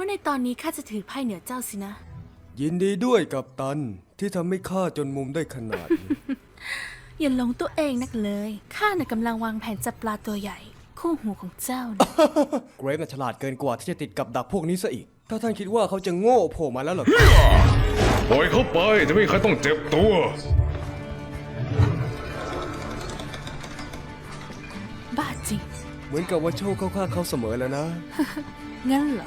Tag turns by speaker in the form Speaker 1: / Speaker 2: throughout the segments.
Speaker 1: ว่าในตอนนี้ข้าจะถือไพ่เหนือเจ้าสินะ
Speaker 2: ยินดีด้วยกัปตันที่ทำให้ข้าจนมุมได้ขนาดนี้
Speaker 1: อย่าหลงตัวเองนักเลยข้าน่ะกำลังวางแผนจับปลาตัวใหญ่ คู่หูของเจ้านะ
Speaker 2: เกรฟน่ะฉลาดเกินกว่าที่จะติดกับดักพวกนี้ซะอีก ถ้าท่านคิดว่าเขาจะโง่โผล่มาแล้วเหรอ
Speaker 3: ปล่อยเขาไปจะไม่มีใครต้องเจ็บตัว
Speaker 1: บ้าจริง
Speaker 2: เหมือนกับว่าโชคเข้าข้างเขาเสมอแล้วนะ
Speaker 1: งั้นเหรอ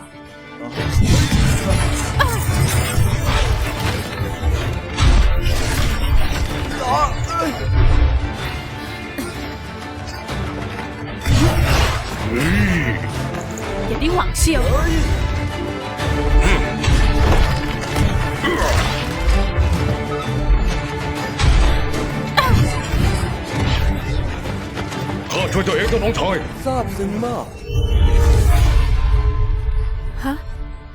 Speaker 1: อย่าได้หวังเชียว
Speaker 3: ข้าช่วยเจ้าเองเจ้าน้องชาย
Speaker 2: ซาบซึ้งมาก
Speaker 1: ฮะ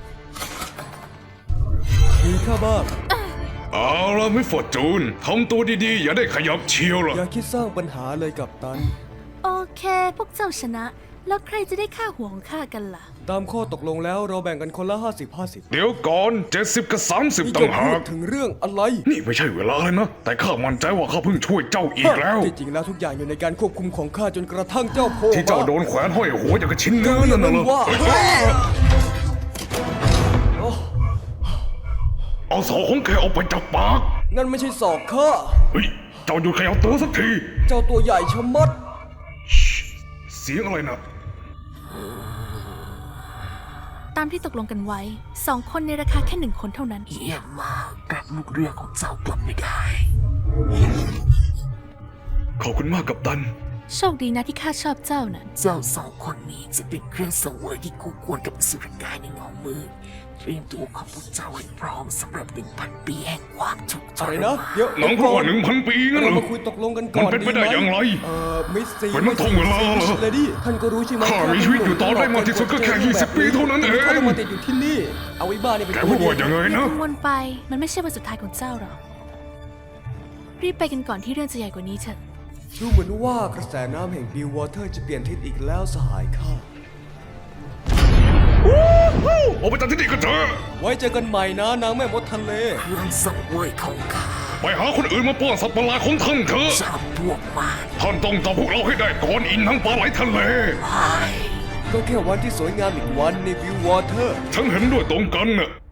Speaker 2: มีข้าบ้าง
Speaker 3: เอาละมิสฟอร์จูนทำตัวดีๆ อย่าได้ขยับเชียวล่ะ
Speaker 2: อย่าคิดสร้างปัญหาเลยกัปตัน
Speaker 1: โอเค พวกเจ้าชนะ แล้วใครจะได้ค่าหัวของข้ากันล่ะ
Speaker 2: ตามข้อตกลงแล้วเราแบ่งกันคนละ 50-50
Speaker 3: เดี๋ยวก่อน 70 กับ 30
Speaker 2: นี่
Speaker 3: ต่า
Speaker 2: จะ
Speaker 3: งหา
Speaker 2: พูด
Speaker 3: ก
Speaker 2: ถึงเรื่องอะไร
Speaker 3: นี่ไม่ใช่เวลาเลยนะ แต่ข้ามั่นใจว่าข้าเพิ่งช่วยเจ้าอีกแล้ว
Speaker 2: ที่จริงแล้วทุกอย่างอยู่ในการควบคุมของข้าจนกระทั่งเจ้าโผล่
Speaker 3: ที่เจ้าโดนแขวนห้อยหัวอย่างกับชิ้นเนื้อนั่นน่ะเหรอ
Speaker 2: ว่า
Speaker 3: เอาศอกของแกออกไปจากปาก
Speaker 2: งั้นไม่ใช่ศอกข้า
Speaker 3: เฮ้ย เจ้าหยุดขยับตัวสักที
Speaker 2: เจ้าตัวใหญ่ชะมัด
Speaker 3: เสียงอะไรนะ
Speaker 1: ตามที่ตกลงกันไว้ 2 คนในราคาแค่ 1 คนเท่านั้น
Speaker 4: เยี่ยมมากรับลูกเรือของเจ้ากลับไม่ได้
Speaker 3: ขอบคุณมากกัปตัน
Speaker 1: โชคดีนะที่ข้าชอบเจ้านั้น
Speaker 4: เจ้าสองคนนี้จะเป็นเครื่องสังเวยที่คู่ควรกับอสุรกายในเงามืดเตรียมตัวของพวกเจ้าให้พร้อมสำหรับ 1,000 ปีแห่งความทุกข์ท
Speaker 2: อะไร
Speaker 4: ร
Speaker 2: นะ
Speaker 4: มาน
Speaker 2: เดี๋ยว
Speaker 3: หนังพูดว่า1,000 ปีงั้นเหร
Speaker 2: เรา
Speaker 3: อ
Speaker 2: มาคุยตกลงกันก่อน
Speaker 3: มันเป็นไปได้อย่างไร
Speaker 2: มิสซี
Speaker 3: เป็นมันท่องเวลาเหรอ
Speaker 2: เลดี้ท่านก็รู้ใช่ไหม
Speaker 3: ข้ามีชีวิตอยู่ต่อได้มากที่สุดก็แค่20 ปีเท่านั้นเอง
Speaker 2: เขาต้องมาติดอยู่ที่นี่ เอาไว้บ้านี่เป็น
Speaker 3: แกพูดว่าอย่างไง
Speaker 1: อย่า
Speaker 3: นะ
Speaker 1: กังวลไป มันไม่ใช่วันสุดท้ายของเจ้าหรอก รีบไปกันก่อนที่เรื่องจะใหญ่กว่านี้เถอะ
Speaker 2: ดูเหมือนว่ากระแสน้ำแห่งบิววอเตอร์จะเปลี่ยนทิศอีกแล้วสหายข้า
Speaker 3: ออกไปจากที่นี่กันเถอะ
Speaker 2: ไว้เจอกันใหม่นะนางแม่มดทะเล
Speaker 4: เครื่องสังเวยของข้า
Speaker 3: ไปหาคนอื่นมาป้อนสัตว์ประหลาดของท่านเถอะ
Speaker 4: จับพวกมัน
Speaker 3: ท่านต้องจับพวกเราให้ได้ก่อนอินทั้งปลาไหลทะเล
Speaker 4: ไป
Speaker 2: ก็แค่วันที่สวยงามอีกวันในบิววอเตอร์
Speaker 3: ฉันเห็นด้วยตรงกันน่ะ